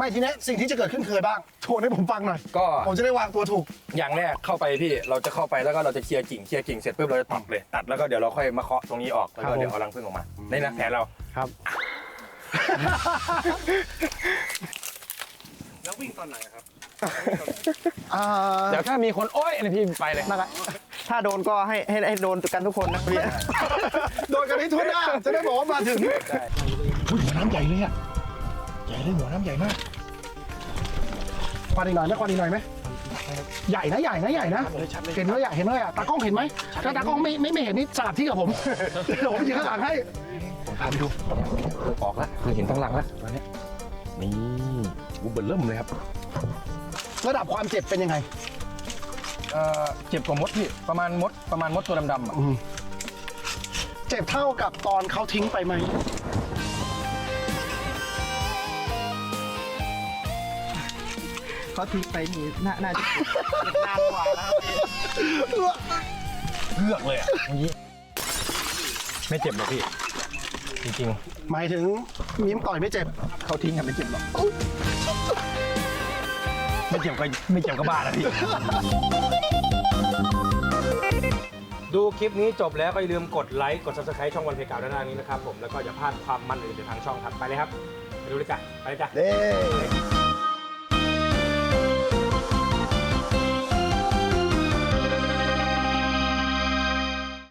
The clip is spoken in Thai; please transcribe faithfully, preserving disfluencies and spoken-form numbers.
ไม่ทีนี้สิ่งที่จะเกิดขึ้นเคยบ้างโชว์ให้ผมฟังหน่อยก็ผมจะได้วางตัวถูกอย่างแรกเข้าไปพี่เราจะเข้าไปแล้วก็เราจะเคลียร์กิ่งเคลียร์กิ่งเสร็จปุ๊บเราจะตัดเลยตัดแล้วก็เดี๋ยวเราค่อยมาเคาะตรงนี้ออกแล้วก็เดี๋ยวเอารังผึ้งออกมาในนะแผนเราครับแล้ววิ่งตอนไหนครับอ่าเดี๋ยวถ้ามีคนโอ๊ยอันนี้พี่ไปเลยนั่นแหละถ้าโดนก็ให้ให้ให้โดนกันทุกคนนะพี่โดนกันให้ทั่วหน้าจะได้บอกว่ามาถึงใช่อุ้ยหัวน้ำใหญ่เลยอ่ะใหญ่เลยหัวน้ำใหญ่มากควันอีกหน่อยไหมควันอีกหน่อยไหมใหญ่นะใหญ่นะใหญ่นะเห็นแล้วใหญ่เห็นแล้วอ่ะตากล้องเห็นไหมถ้าตากล้องไม่ไม่ไม่เห็นนี่สลับที่กับผมเดี๋ยวผมยืนข้างหลังให้ผมพาไปดูออกแล้วคือเห็นทั้งหลังแล้วตอนนี้นี่อูเบิร์เริ่มเลยครับระดับความเจ็บเป็นยังไงเอ่อเจ็บกว่ามดพี่ประมาณมดประมาณมดตัวดำๆอ่ะอืมเจ็บเท่ากับตอนเขาทิ้งไปไหมเขาทิ้งไปนี่น่าน่าจะนานกว่าแล้วครับพี่เลือกเลยอ่ะเมื่อกี้ไม่เจ็บหรอกพี่จริงหมายถึงมิ้มต่อยไม่เจ็บๆเขาทิ้งกันไม่เจ็บหรอกไม่เจ็บก็ไม่เจ็บก็บ้าแล้วพี่ดูคลิปนี้จบแล้วก็อย่าลืมกดไลค์กด ซับสไครบ์ ช่องวันเพกาวด้านหน้านี้นะครับผมแล้วก็อย่าพลาดความมันอื่นจากทางช่องถัดไปเลยครับไปดูเลยจ้ะไปเลยจ้ะเด้